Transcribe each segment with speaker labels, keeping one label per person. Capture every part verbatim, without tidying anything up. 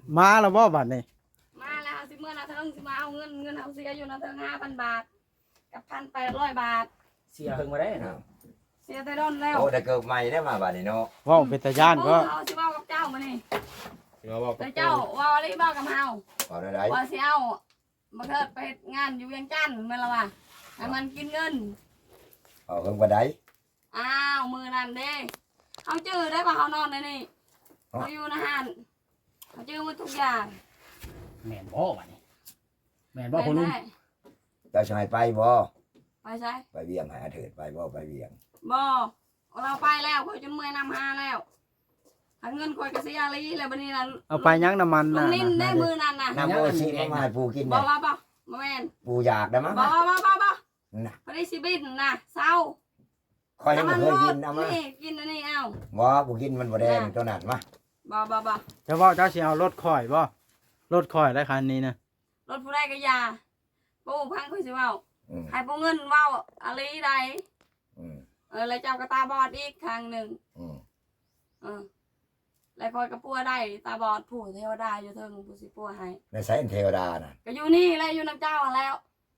Speaker 1: มาแล้วบ่บัดนี้
Speaker 2: มาแล้วสิเมื่อนาเทิงสิมาเอาเงินเงินเอาเสียอยู่นาเทิงห้าพันบาทกับพันแปดร้อยบาท
Speaker 3: เสียเพิ่งมาได้นะ
Speaker 2: เสียแต่ดอนแล้ว
Speaker 4: โอ้แต่เกิดใหม่ได้มาบัดนี้เนาะ
Speaker 1: เว้าเป็นตาย่านบ่
Speaker 2: เอาสิเว้ากับเจ้ามานี่
Speaker 3: สิมาบอกกับ
Speaker 2: เจ้าว่าอะไรบ้ากับเฮา
Speaker 4: เอาได้
Speaker 2: ว่าสิเอามาเถิดไปงานอยู่เวียงจันทน์แม่นละว่าให้มันกินเงิน
Speaker 4: เอาเพิ่งบ่ได้
Speaker 2: อ้าวมือนั่นเด้เขาจื้อได้ป่ะเขานอนในนี่เขาอยู่นะฮันเขาจื้อหมดทุกอย่าง
Speaker 3: แม่นบ่บัดนี้แม่นบ่พ่อลุง
Speaker 4: จะชายไปบ่
Speaker 2: ไปใช่
Speaker 4: ไปเวียงหาเถิดไปบ่ไปเวียง
Speaker 2: บ่เราไปแล้วคอยจนเมื่อยนำหาแล้วถ้าเงินคอยกระเสียอะไรแล้วบัดนี้น่ะ
Speaker 1: เอาไปยังน้ำมัน
Speaker 2: ลุ
Speaker 1: น่ะ
Speaker 2: งนิ่นได้มือนั่นน่ะ
Speaker 4: น้ำโอซีมามาให้ปูกิน
Speaker 2: บ่
Speaker 4: เนี่ย
Speaker 2: บ่บ่บ่แม่น
Speaker 4: ปูอยากได้มั้ง
Speaker 2: บ่บ่บ่บ่
Speaker 4: น่ะ
Speaker 2: พอได้สิบินน่ะเศร้า
Speaker 4: คอยยังไม่เคยกินเอามา
Speaker 2: นี่กินอันนี้เอา
Speaker 4: บ่ปูกินมันบ่แดงตัวนั้นมา
Speaker 2: บ่บ่บ่
Speaker 1: จะว่าเจ้าสิเอารถข่อยบ่รถข่อยได้คันนี้นะ
Speaker 2: รถผู้ใดก็ยาปูพังค่อยสิเว้าให้ปูเงินเว้าอะไรใดเออแล้วเจ้ากระตาบอดอีกครั้งหนึ่งเออแล้วคอยกระปัวได้ตาบอดผู้เทวดาอยู่เทิงผู้สิปัวให้
Speaker 4: ในสายเทวดาน่ะ
Speaker 2: ก็อยู่นี่แหละอยู่น้ำเจ้าแล้ว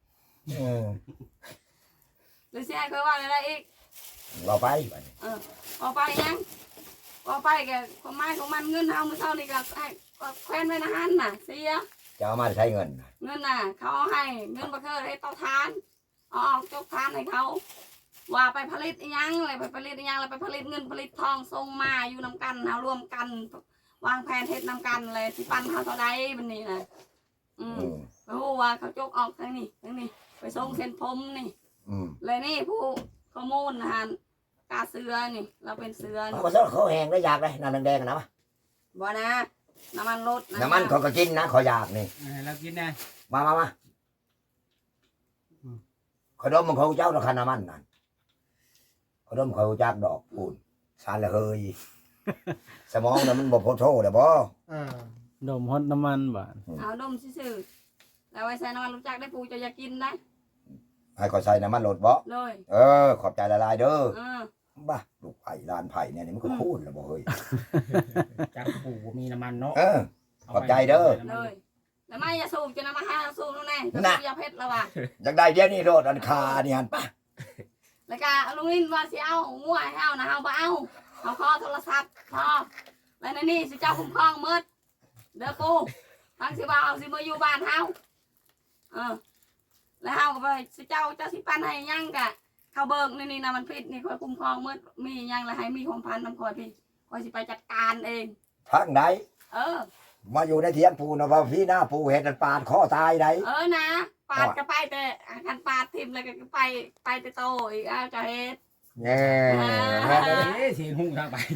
Speaker 2: หรือสิให้คอยว่าอะไรอีก
Speaker 4: บ่ไป
Speaker 2: เออบ่ไปยังบ่ไปแกความหมายของมันเงินเฮามื้อเช้านี่ก็ให้แควนไว้นะฮั่นน่ะเสีย
Speaker 4: จะเอามาใช้เงิน
Speaker 2: เงินน่ะเขาเอาให้เงินบ่เคยให้เตาทานเอาออกจกทานให้เขาว่าไปผลิตอีหยังอะไรไปผลิตอีหยังอะไรไปผลิตเงินผลิตทองส่งมาอยู่นำกันเฮารวมกันวางแผนเฮ็ดนำกันเลยสิปันเฮาเท่าใดบัดนี้น่ะอืมไปฮู้ว่าเขาจกออกทางนี้ทางนี้ไปส่งเส้นผมนี่
Speaker 4: อืม
Speaker 2: เลยนี่ผู้ข้อมูลนะฮะกาเสือนี่เราเป็นเสือ
Speaker 4: เขาก็เขาแห้งได้อยากเลยน้ำแดงๆนะ
Speaker 2: บ่นะน้ำมันรถ
Speaker 4: น้ำมันเขาก็กินนะเขาอยากนี่
Speaker 3: เรากินนะ
Speaker 4: มามามาขนมมันเขาเจ้าราคาน้ำมันนั่นขนมเขาจากดอกปูนสารละเฮยสมองน่ะมันบ่พอโทษเลยบ่
Speaker 1: ดมฮอตน้ำมันบ่
Speaker 2: เอาดมซื่อๆแล้วไว้ใส่น้ำมันรู้จักได้ปูจะอยากกินได้
Speaker 4: ให้เขาใส่น้ำมันรถบ่
Speaker 2: เลย
Speaker 4: เออขอบใจละลายเด้อบ้าลูกไผ่ลานไผ่เนี่ยนี่มันก็คูนแล้วบ่เฮ้ย
Speaker 3: จากปูมีน้ำมันเนาะ
Speaker 4: เออขอบใจเด้อ
Speaker 2: เลยแล้วไม่อย่าสูบจะนำมาให้สูบนู่นแน่จะยาเพชรแล้วว่ะ
Speaker 4: อยากได้เดี๋ยวนี้โลดอันคานี่ฮันป่ะ
Speaker 2: แล้วก็ลุงลินว่าสิเอางัวให้เอานะเอาบ่เอาเอาคอโทรศัพท์พอแล้วในนี่สิเจ้าคุ้มครองมืดเด้อปูทั้งสิบ่าวสิมาอยู่บ้านเฮาเออแล้วเฮาก็ไปสิเจ้าเจ้าสิปันให้ยังกะเขาเบิกนี่นี่นะมันผิดนี่คอยคุ้มครองมืดมียังแล้วให้มีของพันน้ำคอยพี่คอยสิไปจัดการเอง
Speaker 4: ทางไหน
Speaker 2: เออ
Speaker 4: มาอยู่ในเทียงปูนะว่าพี่หน้าปูเห็ดปาดข้อตายไหน
Speaker 2: เออนะปาดก็ไปแต่คันปาดทิมเลยก็ไปไปแต่โตอีกอ้าวจะเฮ็ด
Speaker 4: แง่
Speaker 3: แง่เลยเสียงหุ่งทางไป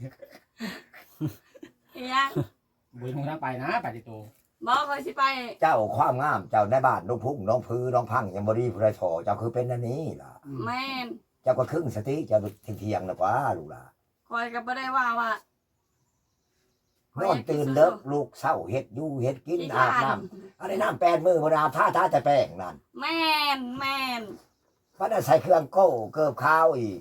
Speaker 2: อีหยัง
Speaker 3: บุญหุ่งทางไปนะไปติโต
Speaker 2: บอกคอยสิไป
Speaker 4: เจ้าความงามเจ้าในบ้านน้องพุ่งน้องพื้น้องพังยังบริพระชอเจ้าคือเป็นอันนี้ล่ะ
Speaker 2: แม่น
Speaker 4: เจ้าก็ครึ่งสติเจ้าเที่ยงนะว่าลูกล่ะ
Speaker 2: คอยก็บ่ได้ว่าว่าน
Speaker 4: อนตื่นเลิกลูกเศร้าเห็ดอยู่เห็ดกินอาบน้ำอะไรน้ำแปดมือบนอาบท่าท่าแต่แป้งนั่น
Speaker 2: แม่นแม่น
Speaker 4: พัดใส่เครื่องโก้เกิบข้าวอีก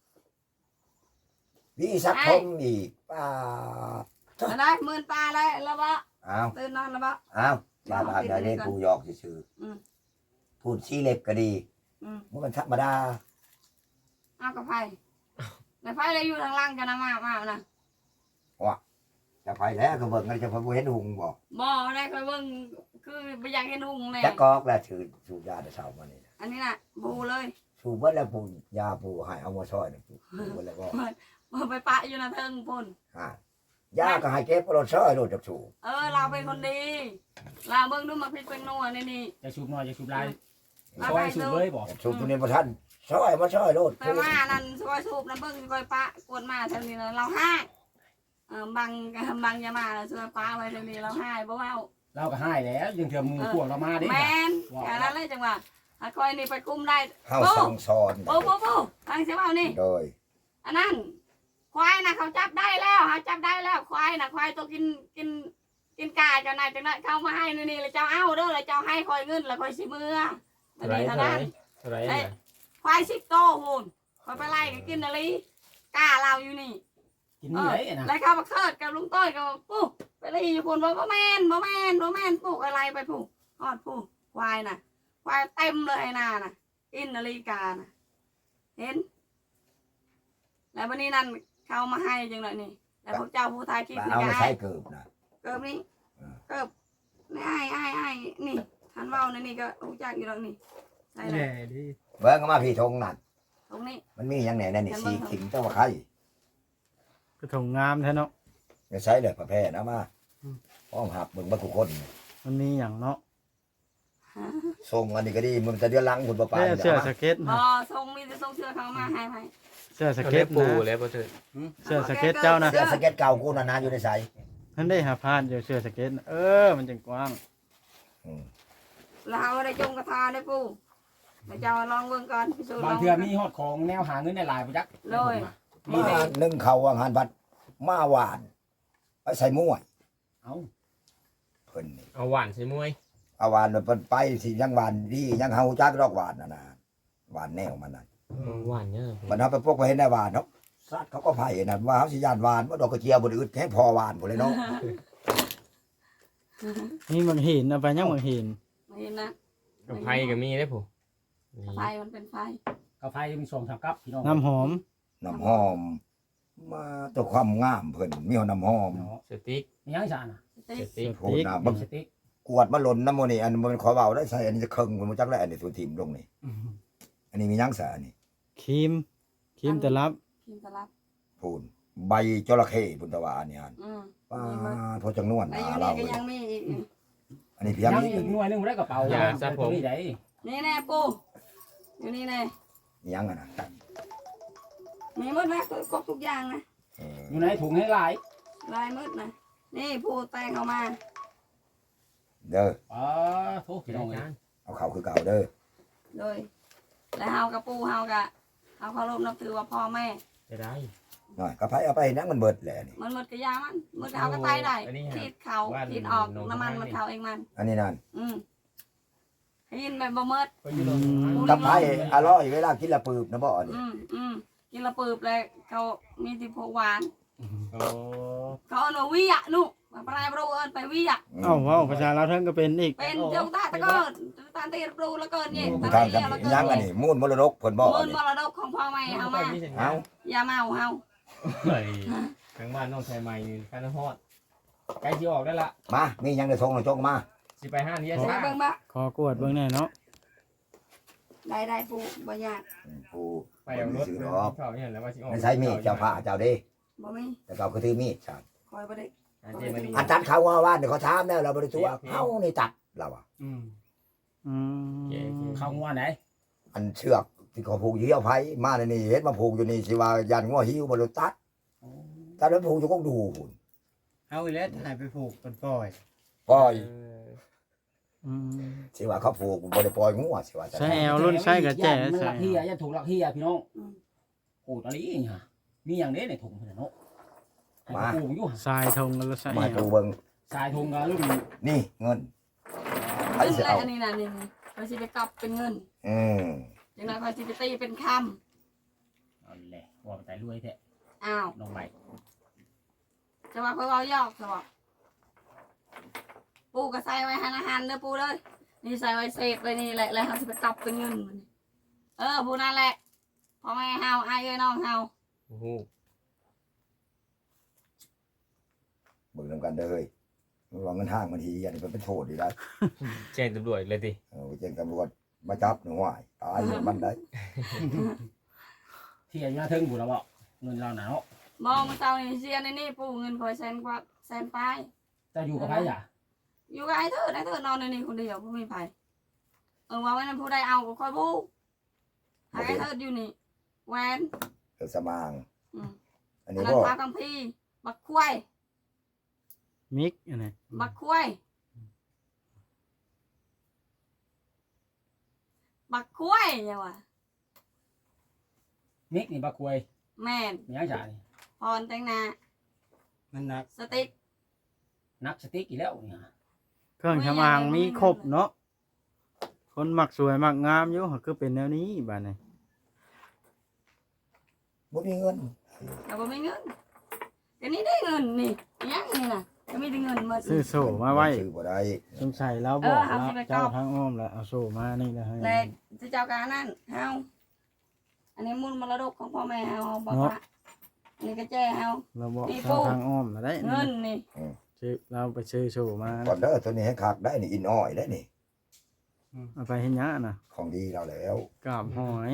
Speaker 4: วิสักทมอีกป้า
Speaker 2: ได้หมื่นตาได้แล้วบ่
Speaker 4: อ้าว
Speaker 2: ตื่นนอนแล้วบ่
Speaker 4: อ้าวบาบาได้เล่นปูยอกซื่อพูดชี้เล็บก็ดีมันธรรมดา
Speaker 2: เอากับไผ่แต่ไผ่ได้อยู่ทางล่างจะนำมามานะ
Speaker 4: ว่ะจะไปแล้วก็เบิ่งกันจะไปเห็นหุงบ่
Speaker 2: บ่ได้ก็เบิ่งคือไปอยากเห็นหุงเลย
Speaker 4: จะกอกแล้วถือสูบยาแต่เช้ามานี่
Speaker 2: อันนี้น่ะบูเลย
Speaker 4: สูบเบิดแล้วปูยาปูให้เอามาช่วยนี่ปูเบิดแล้วก็
Speaker 2: บ่ไปปะอยู่นะเทิงพุ่น
Speaker 4: ฮะยาก็ให้เก็บรถช่วยรถจักสูบ
Speaker 2: เออเราเป็นคนดีเราเบิ่งดูมาพริกเป็นนัวนี่นี่
Speaker 3: จะสูบน้อยจะสูบลายช่วยสูบเลยบ่
Speaker 4: สูบตัวนี้บ่ทันช่วยมาช่วยรถ
Speaker 2: ไปมานั่นช่วยสูบนะเบิ่งช่วยปะกวนมาทางนี้เราให้เออบางบางยามาแล้วช่วยปะไว้ทางนี้เราให้บ่เว้า
Speaker 3: เราก็ให้แล้วยังเถื่อมือพวกเรามาดิ
Speaker 2: แม่นแค่นั้นเลยจังหวะถ้าคอยนี่ไปกุมได้
Speaker 4: เฮาสั่งสอน
Speaker 2: โอ้โหโอ้ทางเสียเว้านี่
Speaker 4: โดย
Speaker 2: อันนั้นควายนะเขาจับได้แล้วเขาจับได้แล้วควายนะควายตัวกินกินกินกาเจ้านายจังนั้นเขามาให้นี่เลยเจ้าเอาเด้อเลยเจ้าให้คอยเงินแล้วคอยสิมือมันนี่เท่านั้นควายสิบโตหุ่นคอยไปไล่กินอะไรกาเราอยู่นี่
Speaker 3: กกินนี่ได้นะ
Speaker 2: แล้วข้าวบักเทิดกับลุงต้อยกับปู่ไปเลยอยู่คนว่าบ่แม่นบ่แม่นบ่แม่นปลูกอะไรไปปลูกฮอดปลูกควายน่ะควายเต็มเลยน่ะน่ะอินนาฬิกาน่ะเห็นแล้ววันนี้นั่นเขามาให้จังเลยนี่แล้วพวกเจ้าผู้ทายคลิป
Speaker 4: มา
Speaker 2: นี่
Speaker 4: เอา
Speaker 2: ก็
Speaker 4: มา
Speaker 2: ให้
Speaker 4: ใช้เกิบนะ
Speaker 2: เกิบนี่เกิบนี่ไอ้ไอ้ไอ้นี่ทันเว้าในนี่ก็รู้จักอยู่แล้วนี่ใช่เล
Speaker 1: แห
Speaker 2: ย
Speaker 1: น่ดิ
Speaker 4: เบิ่งก็มาพี่ทงนั่น
Speaker 2: ตรงนี้
Speaker 4: มันมีหยังแหน่นั่นนี่สีขิงเจ้าว่าใคร
Speaker 1: กระถงงามแท้เนาะ
Speaker 4: จะใช้เลยประแพนะมาห้องหับเบิ่งบ่ทุกคน
Speaker 1: มันมีหยังเนาะ
Speaker 4: ส่งอันนี้ก็ดีมันจะเดือนหลังคุณบ่ปาน
Speaker 1: เสื้อเสื้อสเก็ต
Speaker 2: บ่
Speaker 1: นะ
Speaker 2: ทรงมีแต่ทรงเสื้อเขามาให้ให้
Speaker 1: เสื้อส
Speaker 5: เขา
Speaker 1: เก็
Speaker 5: ได้
Speaker 1: ต
Speaker 5: ปู
Speaker 1: นะ
Speaker 5: แล้วบ่เถิด
Speaker 1: เสื้อสเก็ตเจ้านะ
Speaker 4: เสื้อสเก็ตเก่ากูน่ะนะอยู่ในไส
Speaker 1: ท่านได้หาพานอยู่เสื้อสเก็ตน่ะเออมันจังกว้าง
Speaker 4: อืม
Speaker 2: แล้วเอาได้จงกระทาได้ปู่แล้วเจ้าลองเบิ่งก่อนพิสูจน์
Speaker 3: บาง
Speaker 2: ลอง
Speaker 3: เทื่อมีฮอดของแนวหาเงินในหลายบ่จัก
Speaker 2: เลย
Speaker 4: มานึ่งเขาวางหันบัดมาหวานไปใส่มวย
Speaker 3: เอ้า
Speaker 4: เพิ่นนี่
Speaker 5: เอาหวานใส่มวย
Speaker 4: เอาหวานมันเพิ่นไปสิยังหวานดียังเฮาจักดอกหวานน่ะนะหวานแนวมันน่ะ
Speaker 5: หวานเนี่ย
Speaker 4: มันเฮาไปพวกไปเห็นได้หวานเนาะสัตว์เขาก็ไผน่ะว่าเฮาสิย่านหวานบ่ดอกกระเจียวบ่ได้อึดแท้พอหวานพุ่นเลยเนาะ
Speaker 1: นี่มันหินเอาไปยังมันหิน
Speaker 2: ไม่เห็นนะ
Speaker 5: กับไผ่ก็มีได้ผู้
Speaker 2: ไฟมันเป็นไฟ
Speaker 3: กาแฟมีสองสามกับพี่น้อง
Speaker 1: น้ำหอม
Speaker 4: น้ำหอม มาตัวความงามเพิ่นมีเอาน้ำหอม
Speaker 3: เนาะ
Speaker 5: สติ๊ก
Speaker 3: มีหยังอีสานน่ะ
Speaker 2: สติ๊
Speaker 5: ส
Speaker 2: ก
Speaker 5: ติ๊ก
Speaker 4: พูดนะ
Speaker 3: บั
Speaker 4: บั
Speaker 3: ก
Speaker 4: ก
Speaker 3: สติ๊ก
Speaker 4: กวดมาหล่นน้ำมันนี่อันมันขอเบาได้ใส่อันนี้จะเคิงมันบ่จักแล้วอันนี้สุทิมลงนี่อันนี้มีหยังซะอันนี้
Speaker 1: ครีมครีมตะลับ
Speaker 2: พิมพ์ตลับ
Speaker 4: พูนใบจระเข้พุ่นตะวาอันนี้อัน
Speaker 2: อืม
Speaker 4: ป้าพอจังนวล
Speaker 2: แล้ว
Speaker 4: หา
Speaker 2: อยู่
Speaker 4: เรา
Speaker 2: นี่ก็
Speaker 4: เลย
Speaker 2: ยังมีอีกนี่
Speaker 4: อันนี้เพีย
Speaker 3: ยัง ง
Speaker 4: นี้
Speaker 3: อีกหน่วยหนึงบ่ได้กระเป๋าตัวนี้ได้
Speaker 2: นี่แน่ปู่อยู่นี่แน่
Speaker 4: มีหยังอ่ะนะ
Speaker 2: มีหมดนะครบทุกอย่างนะ
Speaker 4: เออ
Speaker 3: อยู่ในถุงให้หลาย
Speaker 2: ลายมืดนะนี่ปู่แต่งเขามา
Speaker 4: เด้อ
Speaker 3: อ๋อโทษพี่น้องเอ้ย
Speaker 4: เอาเข้าคือเก่าเด้อ
Speaker 2: เลยแล้วเฮากับปู่เฮากะเฮาเคารพนับถือว่าพ่อแม่
Speaker 5: จะได้
Speaker 4: หน่อยกระไผเอาไปนักมันเบิดแหละนี่
Speaker 2: มันหมดกระยามันหมดเขาก็ตายได้ทีดเขาทีดออกน้ำมันมันเขาเองมัน
Speaker 4: อันนี้นั่น
Speaker 2: อืมให้ยินแบบบ่เมิด
Speaker 5: ก็อยู่ลง
Speaker 4: กระไผอร่อยเวลากินละปืบนะบ่อันนี้
Speaker 2: อืมอืมกินละปืบเลยเขามีที่พวกหวาน
Speaker 5: โอ้
Speaker 2: เขาเอาหนูวิอ่ะนุมาปลายบรูเอินไปวิอ่ะ
Speaker 4: อืม
Speaker 1: เอ้าเว้าภาษาลาวเทิงก็เป็นอีก
Speaker 2: เป็นเจ้าตาตะเกินตาตีบรูแล้วเกินเนี่ยตา
Speaker 4: ทาง
Speaker 2: ตี
Speaker 4: กัน
Speaker 2: แล้ว
Speaker 4: ยังอัน
Speaker 2: เกิน
Speaker 4: นี้มูลมรดกเพิ่นบ่อั
Speaker 2: มู
Speaker 4: น
Speaker 2: ล
Speaker 4: นี้
Speaker 2: มรดกของพ่อแม่เฮามา
Speaker 4: เอา
Speaker 2: อย่าเมาเฮา
Speaker 5: เฮ้ยทางบ้านน้องชายใหม่กันฮอดใกล้สิออกได้ละ
Speaker 4: มามีหยังจะส่งหน่อยจงมา
Speaker 5: สิไปห้างนี้
Speaker 2: เบิ่
Speaker 5: ซ่าง
Speaker 2: เบิ่งบ่
Speaker 1: ขอกวดเบิ่งแน่เนาะ
Speaker 2: ได้ได้ปูบ่ยาก
Speaker 4: อืมกู
Speaker 5: ไปเอารถ
Speaker 4: ซื้อ
Speaker 5: เ
Speaker 4: ดอก
Speaker 5: ขาเนี่ยแล้วว่าสิออก
Speaker 4: ไม่ใช่มีดเจ้าผ้าเจ้าเด้
Speaker 2: บ่มี
Speaker 4: แต่เก่าคือถือมีดใช่
Speaker 2: คอยบ่ได้
Speaker 5: อาเจมาดี
Speaker 4: อาจารย์เขาว่าว่าเดี๋ยวเขาถามแล้วเราบ่ได้ตัวเฮานี่ตัดเราอ่ะ
Speaker 3: อืม
Speaker 1: อืม
Speaker 3: เข้างัวไหน
Speaker 4: อันเชือกที่เขาผูกอยู่เหี่ยวไผมาในนี่เฮ็ดมาผูกอยู่นี่สิว่ายันงัวหิวบ่รู้ตัดตัดแล้วผูกอยู่กงดูพุ่น
Speaker 1: เอาอีแล้วถ่ายไปผูกกันปล่อย
Speaker 4: ปล่อย
Speaker 5: เออ
Speaker 1: อืม
Speaker 4: สิว่าเขาผูกบ่ได้ปล่อยงัวสิว่าจะ
Speaker 1: ใช่แอลรุ่นใช่กับแจ๋
Speaker 3: มันห
Speaker 1: ใช่
Speaker 3: ลักเฮียอย่าถูกหลักเฮียพี่น้อง
Speaker 2: อืม
Speaker 3: โอ้ตอนนี้ฮะมีอย่างนี้ในถุงเพิ่นเนาะให้ปูอยู่หั่น
Speaker 1: ทรายทงแล้วใช่
Speaker 4: มา
Speaker 1: แอ
Speaker 4: ปู
Speaker 1: ล
Speaker 4: เบิ่ง
Speaker 3: สายถุงก็รุ่น
Speaker 4: นี่เงินไผ
Speaker 2: ขึ้น
Speaker 4: สิ
Speaker 2: เลย
Speaker 4: เอา
Speaker 2: อันนี้น่ะนี่คอยสิไปกลับเป็นเงิน
Speaker 4: อืม
Speaker 2: จังได๋คอยสิไปตีเป็นคำ
Speaker 3: เอาแหละว่าไปแต่รวยแท้
Speaker 2: อ้าว
Speaker 3: น้องใหม่
Speaker 2: จะว่าเพิ่นเว้ายอกซะบ่ปูก็ใส่ไว้หันอาหารเด้อปูเด้อนี่ใส่ไว้เศษไว้นี่แหละแล้วเฮาสิไปกลับเป็นเงินมันเออผู้นั่นแหละพ่อแม่เฮาอ้ายเอ้ยน้องเฮา
Speaker 5: โอ้โห
Speaker 4: เบิ่งนำกันเด้อเฮ้ยมันว่าเงินห้างมันทีอันนี้มันเป็นโทษดีได้
Speaker 5: แจ้งตำรวจเลยดิ
Speaker 4: เออไปแจ้งตำรวจมาจับหนูหวายตายอย่างมันได้
Speaker 3: เที่ยอยู่หน้าเทิงบุญแล้วบ่เงินเราหนาว
Speaker 2: มองมาเจ้านี่เสียในนี่ปูเงินคอยแสนกว่าแสนปลาย
Speaker 3: จะอยู่กับไผจ้ะ
Speaker 2: อยู่กับไอ้เถิดไอ้เถิดนอนในนี่คนเดียวบ่มีไผเออว่าไว้นั้นผู้ใดเอาก็ค่อยบูให้ไอ้เถิดอยู่นี่แหวน
Speaker 4: เออสมาง
Speaker 2: อืม
Speaker 4: อัน
Speaker 2: อัน
Speaker 4: นี้
Speaker 2: นั้น
Speaker 4: ก็
Speaker 2: พากัมพีร์บักควาย
Speaker 1: มิกอันนี้
Speaker 2: บักควายบักควายเนี่ยว่ะ
Speaker 3: มิกนี่บักควย
Speaker 2: แม่น
Speaker 3: มีหยังจ้ะนี่
Speaker 2: พรแต่งหน้า
Speaker 1: มันหนัก
Speaker 2: สติ๊ก
Speaker 3: นักสติ๊กอีกแล้วนี่ฮะ
Speaker 1: เครื่องทำอางมีครบเนาะคนมักสวยมักงามอยู่ก็คือเป็นแนวนี้บ้านนี้
Speaker 4: บ่มีเงิน
Speaker 2: แต่บ่มีเงินก็นี่ได้เงินนี่ยังนี่น่ะก็มีแต่เงินหมด
Speaker 1: ซื้อโซ่มาไว้
Speaker 4: ซื้อบ่ได้
Speaker 1: สงสัยเราบอก
Speaker 2: เออเอา
Speaker 1: แล้ว
Speaker 2: สิไป
Speaker 1: เจ้า
Speaker 2: ก๊อป
Speaker 1: ทางอ้อมแล้วเอาโซ่มานี่นะให้
Speaker 2: เลยจะเจ้าการนั่นเฮาอันนี้มูลมรดกของพ่อแม่เฮาบอกว่าอันนี้ก็แจ้เฮา
Speaker 1: เราบอก
Speaker 2: นี่
Speaker 1: เจ้า
Speaker 2: ปู่
Speaker 1: ทางอ้อมแล้วได้
Speaker 2: เงินนี่
Speaker 1: ซื้อเราไปซื้อโซ่มา
Speaker 4: ก่อนเด้อตัวนี้ให้คักได้นี่อินอ้อยได้นี่
Speaker 1: เอาไปให้ยะน่ะ
Speaker 4: ของดีเราแล้ว
Speaker 1: กราบหอย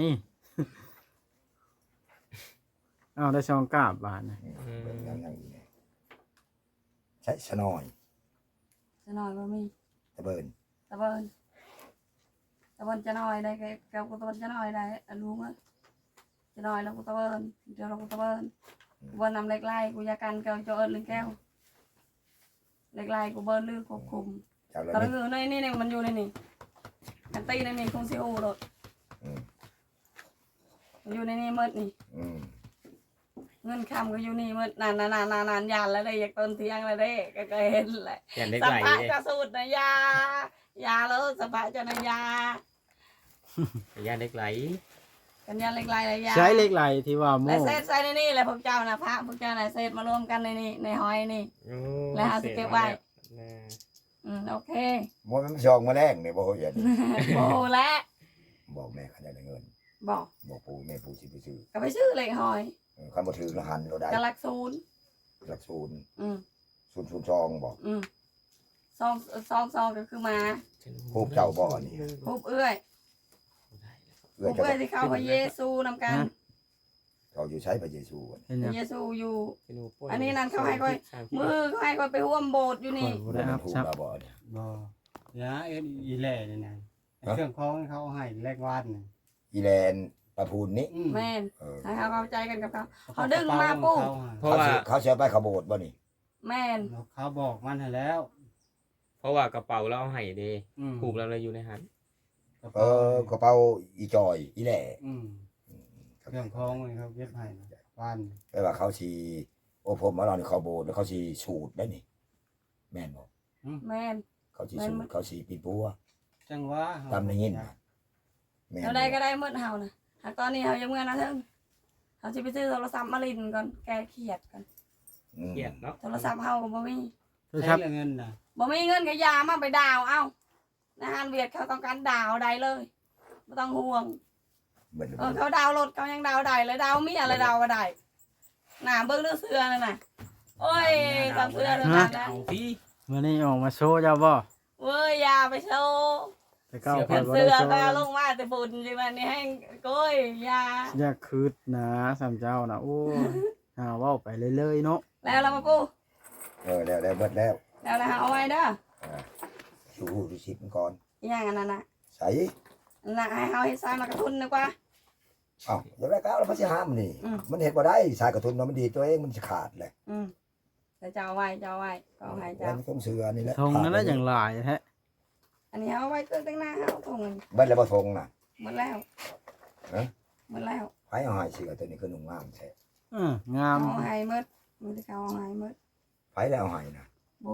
Speaker 1: เอาได้ซองกราบบาทนะ
Speaker 4: เบิ่งยังยังอีกนี่ใช้สนอย
Speaker 2: จะน้อยบ่มี
Speaker 4: ตะเบิน
Speaker 2: ตะเบินตะเบินจะน้อยได้ก็กับกูตะเบินจะน้อยได้อันรู้มั้ยจะน้อยแล้วกูตะเบินเดี๋ยวเรากูตะเบินกูเบินนำเล็กไล่กูอยากันเกาเจ้าเอิญหรือแก้วเล็กไล่กูเบินลือควบคุม
Speaker 4: เจ้าละ
Speaker 2: ตอน
Speaker 4: นิ
Speaker 2: นี้
Speaker 4: ด
Speaker 2: คือในนี่เนี่ยมันอยู่ในนี่กันตีในนี่คงสิโอรถ
Speaker 4: อืม
Speaker 2: มันอยู่ในนี่หมดนี่
Speaker 4: อืม
Speaker 2: เงินคำก็อยู่นี่หมดนานนานนานนานนานยานแล้วได้อยากต้นเที่ยงแล้วได้ก็เคยเห็นแหละ
Speaker 5: อย่างเล็ก
Speaker 2: ส
Speaker 5: ไหล
Speaker 2: ปะ
Speaker 5: เลย
Speaker 2: จะสูตรนะยายาแล้วสปะจะนะยา
Speaker 5: อย่างเล็กไหล
Speaker 2: กันยาเล็กไล่เลยยา
Speaker 1: ใช้เหล็กไหลที่ว่าโม่
Speaker 2: และเศษใส่ในนี่แหละพวกเจ้านะพระพวกเจ้าน่ะเศษมารวมกันในนี่ในหอยนี่
Speaker 5: โอ้
Speaker 2: แล้วเอาสิเก็บไว้
Speaker 5: แน่
Speaker 2: อืมโอเค
Speaker 4: บ่มันชองมาแรงนี่บ่เห็น
Speaker 2: โอ้แล้ว
Speaker 4: บอกแม่เขาจะได้เงิน
Speaker 2: บอก
Speaker 4: บอกปู่แม่ปู่สิไปซื้อ
Speaker 2: ก็ไปซื้อเหล็กหอย
Speaker 4: เออคันบ่ถือละหันเราได้
Speaker 2: กะลักศูนย์
Speaker 4: หลักศูนย์
Speaker 2: อืม
Speaker 4: ศูนย์ศูนย์สองบอก
Speaker 2: อืมซองซองซองก็คือมา
Speaker 4: รูปเจ้าบ่นี่
Speaker 2: รูปเอื้อย
Speaker 4: เอื้
Speaker 2: รู
Speaker 4: อ
Speaker 2: ป
Speaker 4: เจ้า
Speaker 2: เอื้อยที่เข้าพระเยซูนำกัน
Speaker 4: เขาอยู่ใช้พระเยซูอะ
Speaker 1: เห็น
Speaker 2: พ
Speaker 1: ยั
Speaker 2: ระ
Speaker 1: ง
Speaker 2: เยซูอยู่ อั
Speaker 5: อั
Speaker 2: นนี้นั่นเขาให้ค่อย มือเขาให้คนไปร่วมโบสถ์อยู่นี่
Speaker 1: บ่
Speaker 4: บ่
Speaker 1: ได้
Speaker 4: ได้
Speaker 1: อัพ
Speaker 4: ถูก
Speaker 1: ซับ
Speaker 4: แล้วบ่เนี่ย
Speaker 6: บ่ยาเอ็นอีแหล่นี่นะไอ้เครื่องของเขาให้แลกวาดนี่
Speaker 4: อีแลนประพูนนี่
Speaker 6: อืม
Speaker 2: แม่น
Speaker 4: เออ
Speaker 2: ให้เขาเข้าใจกันกับเขา เขาดึงมาปุ๊บ
Speaker 5: เพราะว่า
Speaker 4: เขาสิเขาเสียไปขบโบดบ่นี่
Speaker 2: แม่น
Speaker 6: เขาบอกมันให้แล้ว
Speaker 5: เพราะว่ากระเป๋าเราเอาให้เด้
Speaker 6: อืม
Speaker 5: ผูกเราเลยอยู่ในหัน
Speaker 6: กระ
Speaker 4: เอ
Speaker 6: เป๋า
Speaker 4: อกระเป๋าอีจอยอีแหล่
Speaker 6: อืมเครื่องของนี่เขาเก็บให้นะวาน
Speaker 4: แปลว่าเขาสิโอ้ผมมาเรานี่เขาโบดแล้วเขาสิสูตรได้นี่ แม่นบ่
Speaker 2: แม่น
Speaker 4: เขาสิสูตรเขาสิปิดปัว
Speaker 6: จังหวะ
Speaker 4: ตามได้ยินนะแม่น
Speaker 2: เราได้ก็ได้เมื่อเฮานะหากตอนนี้เขายังเมื่อนะเถิงเขาจะไปซื้อโทรศัพท์มาลินก่อนแกเครียดกัน
Speaker 4: อืม
Speaker 5: เกลียดเนาะ
Speaker 2: โทรศัพท์เฮาก็บ่มี
Speaker 6: ใช้เงินน่ะ
Speaker 2: บ่มีเงินก็ยามาไปดาวเอานะฮานเวียดเขาต้องการดาวใดเลยไม่ต้องห่วง
Speaker 4: เบิดเลย
Speaker 2: เออเขาดาวรถเขายังดาวได้เลยดาวมีอะไรดาวก็ได้หนาเบิ้งเนื้อเสื้อนั่นน่ะโอ้ยตามเสื้อนั่นน่ะนะ
Speaker 5: เอาพี่
Speaker 1: มื้อนี้ออกมาโชว์เจ้าบ่
Speaker 2: เว้ยอยาไปโชว์
Speaker 1: แต่เก้า
Speaker 5: เสื้
Speaker 1: ข่อย
Speaker 5: อ
Speaker 1: บ่
Speaker 2: เสื้
Speaker 1: ได้
Speaker 2: อ
Speaker 1: โชว์
Speaker 2: ก็ลงมาแต่ฝุ่นใช่ไหมนี่ให้โก้ยอยา
Speaker 1: อย่าคืดนะสามเจ้านะโอ้ยหาเว้าไปเรื่อยๆเนาะ
Speaker 2: แล้วเรามาปู
Speaker 4: เออแล้วแล้วเบิดแล้ว
Speaker 2: แล้วนะเอาไว้เด้อ
Speaker 4: ชูดูสิมันก่อน
Speaker 2: อหย่างนั้นน่ะ
Speaker 4: ใส่
Speaker 2: น่ะให้เฮาให้ใส่มากระทุนดีกว่า
Speaker 4: เอ้าอย่าไปก้าวแล้วมันสิห้ามนี่
Speaker 2: อืม
Speaker 4: มันเฮ็ดบ่ได้สายกระทุนเนาะมันดีตัวเองมันสิขาดเลย
Speaker 2: อืมแต่จะเอาไว้จะเอาไว้ก็เอาให้
Speaker 4: แล้
Speaker 2: เจ้าว
Speaker 4: มันต้องเสือนี่แหละ
Speaker 1: ทงนั้นน่ะอย่างหลายแท้
Speaker 2: อันนี้เอาไว้เครื่องแต่งหน้าเฮาทง
Speaker 4: เบิดแล้วบ่ทงน่ะ
Speaker 2: หมดแล้ว
Speaker 4: ฮะ
Speaker 2: หมดแล้ว
Speaker 4: ไผเอาให้เสือตัวนี้คือหนุ่มงามแท้
Speaker 1: เอองาม
Speaker 2: เอาให้หมดมันจะเอาให้หมด
Speaker 4: ไผแล้วเอาให้น่ะ
Speaker 2: บู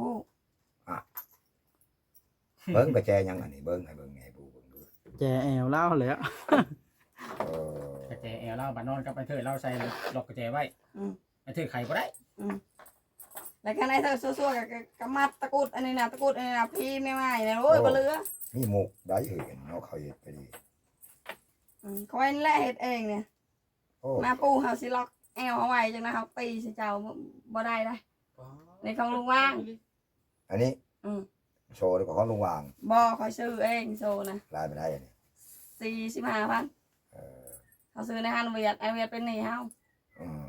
Speaker 4: เบิ่งกระแจยังอันนี้เบิ่งให้เบิ่งให้ผู้เบิ่งดู
Speaker 1: แจแอวเล่าแหล้ว
Speaker 4: เออก
Speaker 6: ระแจแอลเล่าบานนอนกับไปเถิดเล่าใส่ล็อกกระแจไว้
Speaker 2: อืม
Speaker 6: ไปเถิดไข่บ่ได้
Speaker 2: แล้วก็ในเธอซัวๆกับกับมัดตะกุดอันนี้นะตะกุดอันนี้นะพี่ไม่ไหวเนี่ยโอ้ยบ่เหลือ
Speaker 4: มีหมกได้เห็นเนาะเขาเฮ็ดไปดี
Speaker 2: อืมคอยนี่แหละเฮ็ดเองเนี่ย
Speaker 4: โอ้
Speaker 2: มาปูเฮาสิล็อกแอวเอาไว้จังนะเฮาตีสิเจ้าบ่บ่ได้ได้ในของลุงว่าง
Speaker 4: อันนี้
Speaker 2: อืม
Speaker 4: โชว์ดีกว่าของลุงวาง
Speaker 2: บ่คอยซื้อเองโซนะ
Speaker 4: ลายไปได้อันนี้
Speaker 2: สี่สิบห้าพัน
Speaker 4: เออ
Speaker 2: เขาซื้อในห้างเวียดไอเวียดเป็นหนี้เฮา
Speaker 4: อืม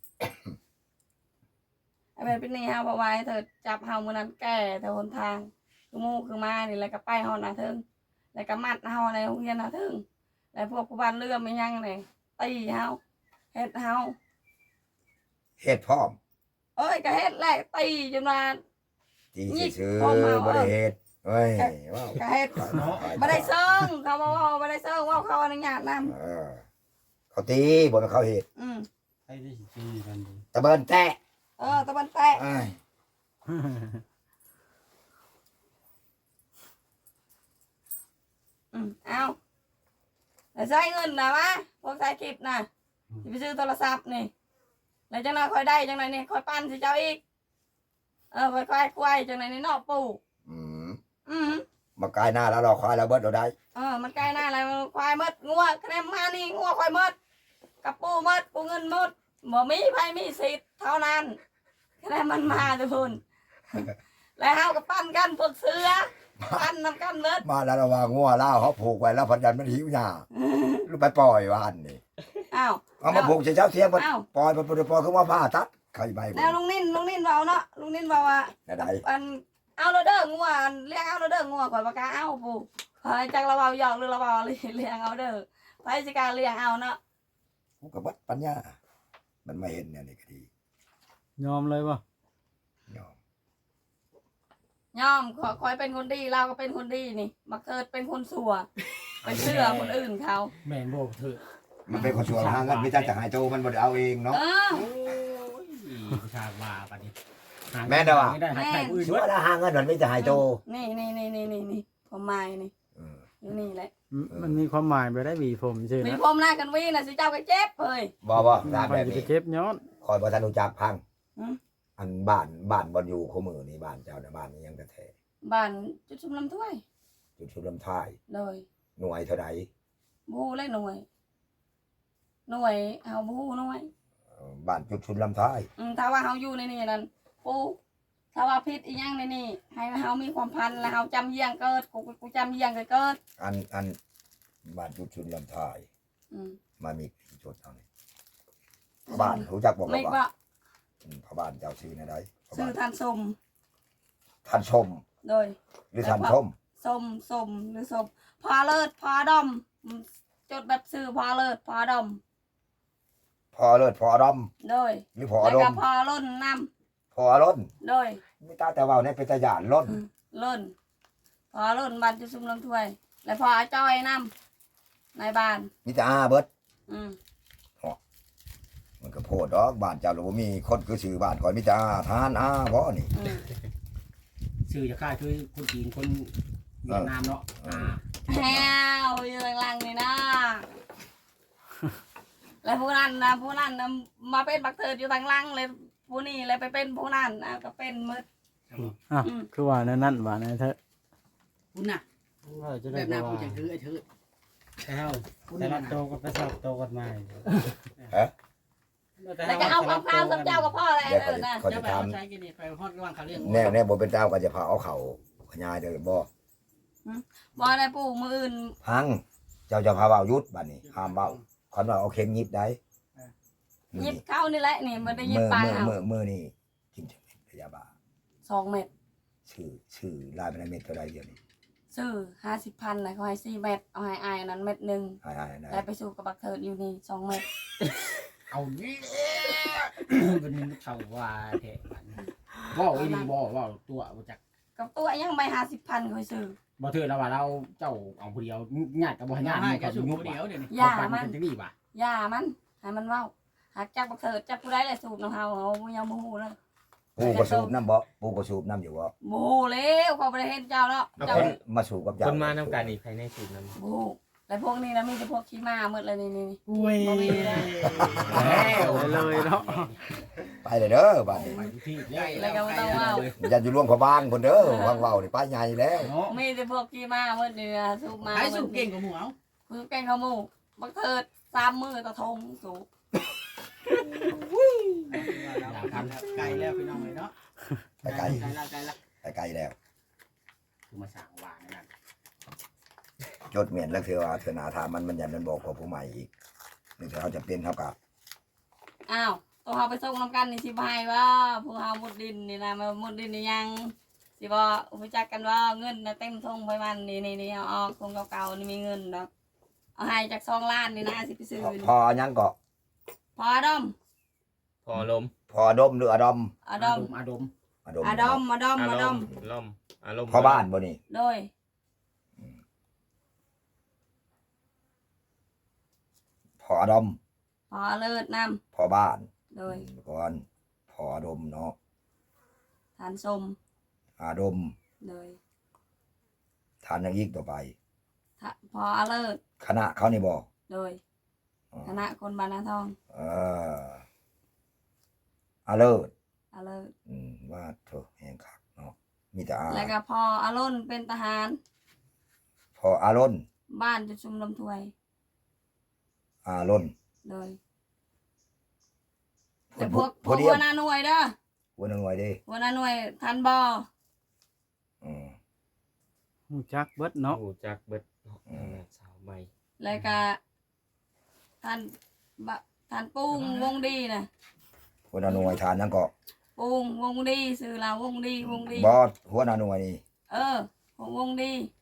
Speaker 2: ไอเวียดเป็นหนี้เฮาเพราะว่าให้เธอจับเฮามื้อนั้นแก่แต่หนทางคือหมู่คือมานี่แล้วก็ไปฮอดหน้าเทิงแล้วก็มัดเฮาในโรงเรียนหน้าเทิงแล้วพวกผู้บ้านเรือไม่ยังนี่ตีเฮาเฮ็ดเฮา
Speaker 4: เฮ็ดพร้อม
Speaker 2: เอ้ยก็เฮ็ดแหละตีจนว่า
Speaker 4: ตี
Speaker 2: นี่
Speaker 4: ซื่อ
Speaker 2: พร้อมมา
Speaker 4: ๆบ่ได้เฮ็ดเฮ้ยว้าว
Speaker 2: ก็เฮ็ดบ่ได้เซิงเขาบอกว่าบ่ได้เซิงว่าเขาอนุญาตนำ
Speaker 4: เออเขาตีบ่แม่นเขาเฮ็ด
Speaker 2: อืม
Speaker 6: ให้ได้สิตีกันดี
Speaker 4: ตะเบินแตะ
Speaker 2: เออตะบันแตะ
Speaker 4: เอ้ย
Speaker 2: อืมเอาแต่ใช้เงินนะวะพวกใช้คลิปนะสิไปซื้อโทรศัพท์นี่แล้วจังนั้นค่อยได้จังนั้นนี่ค่อยปั้นสิเจ้าอีกเออค่อยควายควายจังนั้นนี่นอกปู่
Speaker 4: อืม
Speaker 2: อืม
Speaker 4: มากายหน้าแล้วเราควายเราเบิดเราได้
Speaker 2: เออมันใกล้หน้าอะไรควายมดงัวคะแนนมานี่งัวควายมดกับปูมดปูเงินมดบ่มีไผมีสิทธิ์เท่านั้นคะแนนมันมาทุกคนแล้วเฮาก็ปั้นกันพวกเสือปั้นนำกันเบิด
Speaker 4: มาแล้วเราวางงัวเล่าเขาผูกไว้แล้วพันยันมันหิวหญ้าลูกไปปล่อยวันนี่
Speaker 2: อ้าว
Speaker 4: เอามาผูกเช้าเที่ยงมัน
Speaker 2: อ้าว
Speaker 4: ปล่อยมันปล่อยปล่อยคือว่าผ้าตัดใครใบ
Speaker 2: แล้วลุงนิ่นลุงนิ่นเว้าเนาะลุงนิ่นเว้าว่า
Speaker 4: ไหน
Speaker 2: อันเอาเราเด้องัวเลี้ยงเอาเราเด้องัวก่อนปากกาเอาปูเฮ้ยจักเราเว้าหยอกหรือเราเว้าเลี้ยงเอาเด้อไผสิกล้าเลี้ยงเอาเนาะ
Speaker 4: กูกับบัดปัญญามันไม่เห็นเนี่ยนี่ก็ดี
Speaker 1: ยอมเลยบ่
Speaker 4: ยอม
Speaker 2: ยอมขอคอยเป็นคนดีเราก็เป็นคนดีนี่มาเกิดเป็นคนสัวไปเชื่อคนอื่นเขา
Speaker 6: แม่นบ่เถอะ
Speaker 4: มันเป็นคนชวนหาเงินไม่ใช่จะหายโตมันบ่ได้เอาเองเนาะ
Speaker 2: เออ
Speaker 6: โอ้ยชาว่าปานนี้
Speaker 4: แม่นเด้อวะ
Speaker 6: ไม่ได้หาใครอื่น
Speaker 4: ชัว
Speaker 6: เบิด
Speaker 4: ร์แล้วหาเงินมันไม่จะหายโต
Speaker 2: นี่นี่นี่นี่นี่นี่ผมหมายนี่
Speaker 4: เออ
Speaker 2: อยู่นี่แหละ
Speaker 1: มมันมีความหมายไปได้หวีผมชื่อ
Speaker 2: มี
Speaker 1: นะ
Speaker 2: ผมหน้ากันวีน่ะสิเจ้าก็เจ็บเฮ้ย
Speaker 4: บ่บ่ตาม
Speaker 1: ไป
Speaker 4: แบบ
Speaker 1: จะ
Speaker 4: นี้
Speaker 1: เจ็บย้อน
Speaker 4: คอยบ่ทันรู้จักพัง
Speaker 2: อืม
Speaker 4: อันบ้านบ้านบ่อยู่คู่มือนี่บ้านเจ้าน่ะบ้านนี้ยังกระแท
Speaker 2: บ้านจุดชุมลำถ้วย
Speaker 4: จุดชุดลำท้าย
Speaker 2: เลย
Speaker 4: หน่วยเท่าใด
Speaker 2: บูเลยหน่วย หน่วยเอาบูหน่วย
Speaker 4: เอ่อบ้านจุดชุดลำท้าย
Speaker 2: อืมถ้าว่าเฮาอยู่ในนี่นั่นปูถ้าว่าพิษอีหยังในนี่ให้เฮามีความพันแล้วเฮาจำเยี่ยงเกิดกูกูจำเยี่ยงเกิด
Speaker 4: อันอันบ้านจุดชุดลำท้าย
Speaker 2: อืม
Speaker 4: มามีกี่จุดเอานี่พ่อบ้านรู้จักบ่
Speaker 2: ไม่
Speaker 4: บ่
Speaker 2: ก็
Speaker 4: อืมพ่อบ้านเจ้าชื่อในใดพ่อ
Speaker 2: ซื้
Speaker 4: บ้า
Speaker 2: อน ทานสม
Speaker 4: ท่านชม
Speaker 2: โดย
Speaker 4: หรือท่านชม
Speaker 2: สมสมหรือสมพอเลิศพอดอมอืมจดแบบซื้อพอเลิศพอดอม
Speaker 4: พอเลิศพอดอม
Speaker 2: โดย
Speaker 4: หรือพอ
Speaker 2: แล้ว
Speaker 4: ด
Speaker 2: ก็
Speaker 4: ม
Speaker 2: พอล้นน้
Speaker 4: พอล้น
Speaker 2: ำโดย
Speaker 4: ไม่ตาแต่เว่าในเป็นตาหยานล้น
Speaker 2: ล้นพอล้นบ้านจะซุ่มลำถ้วย แล้วพอจ้อยน้ำในบ้าน
Speaker 4: มีแต่อาเบิด
Speaker 2: อืม
Speaker 4: มันก็โพดดอกบ้านเจ้าหรือว่ามีคนคือชื่อบ้านคอยมีแต่อาทานอาบ่นี่
Speaker 2: อืม
Speaker 6: ชื่อจะค่ายคือคนจีนคนเวียดนามเนาะอ่า
Speaker 2: แฮวอยู่หลังๆนี่นะแล้วผู้นั้นนะผู้นั้นนะมาเป็นบักเถิดอยู่ทางหลังเลยผู้นี้เลยไปเป็นผู้นั้นนะก็เป็นหมืด
Speaker 1: อ่ะ
Speaker 2: อืม
Speaker 1: คือว่านั่นนั่นว่านั่นเถอะ
Speaker 7: คุณน่ะ
Speaker 1: ว่าจะ
Speaker 7: แบ
Speaker 1: ได้
Speaker 7: บนั้น
Speaker 1: ว่า
Speaker 7: คุณจะคือไอ้เธอ
Speaker 6: แต่เฮาแต่ละโตก็ไปสอบโตกันมา
Speaker 2: แล้วก็เอาข้าวข้าวสับเจ้ากับพ่ออะไร
Speaker 4: เดี๋ยว
Speaker 2: เอ
Speaker 4: เขา
Speaker 2: อ
Speaker 4: จะ
Speaker 2: นะ
Speaker 4: เขา
Speaker 7: จะ
Speaker 4: จะ
Speaker 7: ไป
Speaker 4: ท
Speaker 7: เอาใช้กินนี่ไปฮอดระหว่างเขาเรื่อง
Speaker 4: ำแน่แน่บ่เป็นเจ้าก็จะพาเอาเขาขยายเด้อบ่
Speaker 2: บ่ได้ปู่มืออื่น
Speaker 4: พังเจ้าจะพาเว้าหยุดบัดนี้ห้ามเว้าคันว่าเอาเข็มหยิบได้
Speaker 2: หยิบเข้านี่แหละนี่มันได้หยิบ
Speaker 4: มือ
Speaker 2: ปลา
Speaker 4: มือ
Speaker 2: เอา
Speaker 4: มือมือนี่กินจังเม็ดพยาบาล
Speaker 2: สองเม็ด
Speaker 4: ชื่อชื่อลายเป็นเม็ดเท่าไรเดียวนี้
Speaker 2: ซื้อห้าสิบพันนะเขาให้สี่เม็ดเอาให้อายนั้นเม็ดหนึ่ง
Speaker 4: หายๆนะ
Speaker 2: แล้วไปสู่กับบักเถิดอยู่นี่สองเม็ด
Speaker 6: เอานี่เป็นเขาว่าแท้บ่อีนี่บ่ว่าตัวบ่จัก
Speaker 2: กับตัวยังไม่ห้าสิบพันเขาซื้อ
Speaker 6: บ่ถือแล้วว่าเราเจ้าเอาผู้เดียวญาติกับบ่ญาติ
Speaker 7: ให้
Speaker 6: มัน
Speaker 7: จะ
Speaker 6: ก็
Speaker 7: สูบ
Speaker 6: ยุบ
Speaker 7: เดียวเดี๋ยวนี้
Speaker 2: อย่า
Speaker 6: มั
Speaker 2: มัน
Speaker 6: นจะดีป่ะ
Speaker 2: อย่ามันให้มันเว้าหากจักบักเถิดจักผู้ใดเลยสูบน้ำเฮาเอาบ่ยังบ่ฮู้เลย
Speaker 4: ปูกระสูบน้ำบ่ปูกระสูบน้ำอยู่บ่
Speaker 2: บ่ฮู้แล้วเขาบ่ได้เห็นเจ้าเนาะ
Speaker 5: เอา
Speaker 2: เจ้า
Speaker 5: คน
Speaker 4: มาสูบกับเจ้า
Speaker 5: คนมานำกันอีกภายในสูตรนำ
Speaker 2: บ่ฮู้แล้วพวกนี้นะมีแต่พวกขี้ม้าหมดเลยนี่นี่
Speaker 6: อุ้ย
Speaker 2: บ่มีนะ
Speaker 6: แล้ว
Speaker 1: เลยเนาะ
Speaker 4: ไปเลยเด้อบ้านนี้
Speaker 6: ไปทุกที่เลย
Speaker 2: แล้วก็บ่ต้องเว้า
Speaker 4: อย่าอยู่ร่วมกับบ้านคนเด้อวางเว้านี่ป้าใหญ่แล้ว
Speaker 6: เนาะ
Speaker 2: มีแต่พวกขี้ม้าหมดนี่นะสูบมา
Speaker 7: ไอ้สูบเก่งกว่าหมูเอา
Speaker 2: สูบเก่งเขาหมู่บักเถิดสามมือต่อทงสูบ
Speaker 6: อยากทำ
Speaker 7: ไกลแล้วพี่น้องเลยเนาะ
Speaker 4: ไปไกล
Speaker 7: ไกลแล้วไกลแล้ว
Speaker 4: ไปไกลแล้ว
Speaker 6: คือมาสั่งวางนั่น
Speaker 4: จดเมียนแล้วเธอว่าเธอหนาถามมันมันยันมันบอกกับผู้ใหม่อีกนี่เธอเขาจะเป็นเท่ากับ
Speaker 2: อ้าวตัวเฮาไปส่งน้ำกันนี่สิบายว่าผู้เฮามุดดินนี่นะมามุดดินนี่ยังสิบ่อุปจักกันว่าเงินนะเต็มทงไปมันนี่นี่นี่เอาออกทงเก่าๆนี่มีเงินดอกเอาให้จากสองล้านนี่นะสิไปซื้อ
Speaker 4: พอพอยังก็
Speaker 2: พอดอม
Speaker 5: พอลม
Speaker 4: พอดมหรืออดม
Speaker 2: อดอม
Speaker 6: อาดม
Speaker 4: อดม
Speaker 2: อดอมอดอม
Speaker 5: อา
Speaker 2: อ
Speaker 5: ร
Speaker 2: ดอ
Speaker 5: ม
Speaker 2: ม
Speaker 5: ณ์ลมอารมณ์
Speaker 4: พอบ้านบ่นี่
Speaker 2: โดย
Speaker 4: พออดม
Speaker 2: พอเลิศน
Speaker 4: พอบ้าน
Speaker 2: ำโดย
Speaker 4: ก่อนพออดมเนาะ
Speaker 2: ทานสม
Speaker 4: อาดม
Speaker 2: โดย
Speaker 4: ทานอยังอีกต่อไป
Speaker 2: ทะพอเลิศ
Speaker 4: คณะเขานี่บอก
Speaker 2: โดยคณะคนบานนาทอง
Speaker 4: เอออาเลิศ
Speaker 2: เอาเลย
Speaker 4: อืมว่าโถแห่งคักเนาะมีแต่อา
Speaker 2: แล้วก็พออารมณ์เป็นทหาร
Speaker 4: พออารน
Speaker 2: บ้านจุดชุมลำถวย
Speaker 4: อารน
Speaker 2: เลย
Speaker 4: พ
Speaker 2: แต่
Speaker 4: ว
Speaker 2: พวกพ
Speaker 4: พ
Speaker 2: ว
Speaker 4: ว
Speaker 2: ก
Speaker 4: เดีย
Speaker 2: หั
Speaker 4: ว
Speaker 2: วหน้าหน่วยเด้อ
Speaker 4: หัวหนึ่งไว้ดิ
Speaker 2: หัวหน้าหน่วยทันบอ
Speaker 4: อืม
Speaker 1: ฮู้จักเบิดเนาะ
Speaker 5: หูจักเบิด
Speaker 4: อืม
Speaker 5: สาวใหม่
Speaker 2: แล้วก็ท่านบะท่านปุ้งวงดีนะ
Speaker 4: หัวหน้าหน่วยทานนั่นก็
Speaker 2: ปุ้งวงดีสื่อเราวงดีวงดี
Speaker 4: บอสหัวหน้าหน่วยนี่
Speaker 2: เออของวงดี